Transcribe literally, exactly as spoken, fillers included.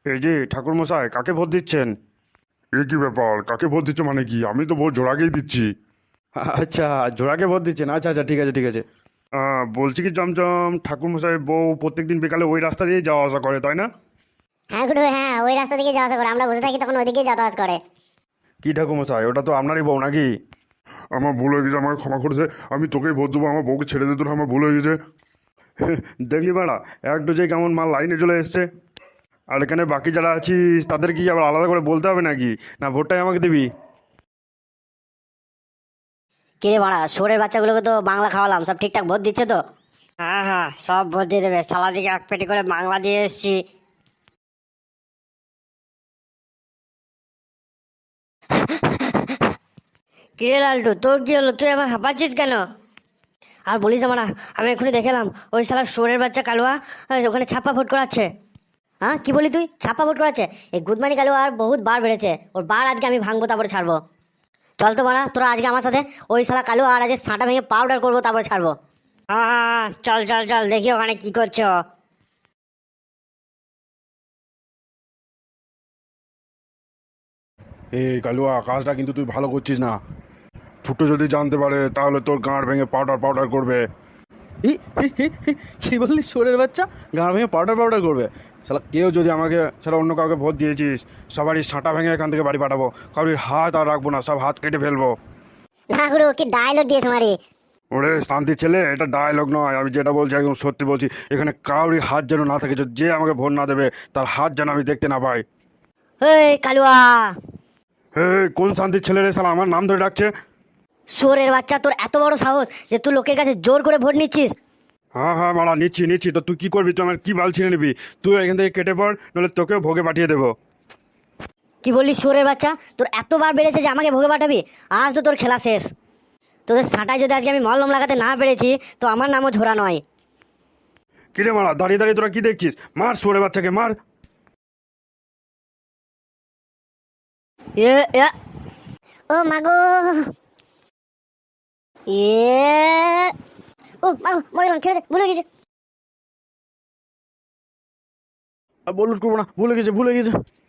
এই যে ঠাকুরমশাই, কাকে ভোট দিচ্ছেন? এ কি ব্যাপার? কাকে ভোট দিচ্ছ মানে কি? আমি তো ভোট জোড়াকেই দিচ্ছি। আচ্ছা, জোড়াকে ভোট দিচ্ছেন। আচ্ছা আচ্ছা, ঠিক আছে ঠিক আছে। আহ, বলছি কি জমজম, ঠাকুরমশাই বউ প্রত্যেকদিন বিকালে ওই রাস্তা দিয়ে যাওয়া আসা করে, তাই না? হ্যাঁ গুডু, হ্যাঁ ওই রাস্তা দিকে যাওয়া আসা করে, আমরা বসে থাকি তখন ওইদিকে যাতায়াত করে। কি ঠাকুরমশাই, ওটা তো আপনারই বউ নাকি? আমার ভুল হয়ে গেছে, আমাকে ক্ষমা করেছে। আমি তোকেই ভোট দেবো, আমার বউকে ছেড়ে দিতে আমার ভুল হয়ে গেছে। দেখলি বাড়া, এক ডোজে কেমন মাল লাইনে চলে এসছে। আর এখানে বাকি যারা আছিস তাদের কি আবার আলাদা করে বলতে হবে নাকি? না ভোটটাই আমাকে দিবি? কিরে বাড়া, শোরের বাচ্চাগুলোকে তো বাংলা খাওয়ালাম, সব ঠিকঠাক ভোট দিচ্ছে তো? হ্যাঁ হ্যাঁ, সব ভোট দিয়ে দেবে। সালা দিকে এক পেটি করে বাংলা দিয়ে এসছি। কিরে লালটু, তোর কি হলো? তুই আবার হাঁপাচ্ছিস কেন? আর বলিস না বাড়া, আমি এক্ষুনি দেখলাম ওই শালা শোরের বাচ্চা কালুয়া আহ, ওখানে ছাপ্পা ভোট করাচ্ছে। হ্যাঁ কি বলি তুই? ছাপ্পা ভোট করাচ্ছে? এই গুদমানি কালুয়া আর বহুত বার বেড়েছে, ওর বার আজকে আমি ভাঙবো, তারপরে ছাড়বো। চল তো বাড়া, তোরা আজকে আমার সাথে ওই শালা কালুয়া আর আজকে সাঁটা ভেঙে পাউডার করবো, তারপরে ছাড়বো। হ্যাঁ হ্যাঁ হ্যাঁ, চল চল চল, দেখি ওখানে কি করছো। এই কালুয়া, কাজটা কিন্তু তুই ভালো করছিস না। ফুটো যদি জানতে পারে তাহলে তোর গাঁড় ভেঙে পাউডার পাউডার করবে। ই, হি, হি, হি, কি বললি? শোরের বাচ্চা গাঁড় ভেঙে পাউডার পাউডার করবে? শালা কেউ যদি আমাকে ছাড়া অন্য কাউকে ভোট দিয়েছিস, সবারই সাঁটা ভেঙে এখান থেকে বাড়ি পাঠাবো। কারোর হাত আর রাখবো না, সব হাত কেটে ফেলবো। না গুরু, কি ডায়লগ দিয়েছে মারি। ওরে শান্তি ছেলে, এটা ডায়লগ নয়, আমি যেটা বলছি একদম সত্যি বলছি। এখানে কারোরই হাত যেন না থাকে, যে আমাকে ভোট না দেবে তার হাত যেন আমি দেখতে না পাই। এই কালুয়া, হে, কোন শান্তির ছেলে রে শালা আমার নাম ধরে ডাকছে? শোরের বাচ্চা, তোর এত বড় সাহস যে তুই লোকের কাছে জোর করে ভোট নিচ্ছিস? হ্যাঁ হ্যাঁ মারা, নিচ্ছি নিচ্ছি। তো তুই কি করবি? তুই আমার কি বাল ছিঁড়ে নিবি? তুই এখান থেকে কেটে পড়, নাহলে তোকেও ভোগে পাঠিয়ে দেবো। কি বললি? শোরের বাচ্চা, তোর এতবার বেড়েছে যে আমাকে ভোগে পাঠাবি? আজ তো তোর খেলা শেষ। তোদের সাঁটায় যদি আজকে আমি মলম লাগাতে না পেরেছি, তো আমার নামও ঝোরা নয়। কিরে মারা, দাঁড়িয়ে দাঁড়িয়ে তোরা কি দেখছিস? মার সরে বাচ্চাকে, মার। এ এ, ও মাগো, এ ও মাগো, মরে গেলাম, ছেড়ে দে, ভুলে গেছে। বলুন করবো না, ভুলে গেছে ভুলে গেছে।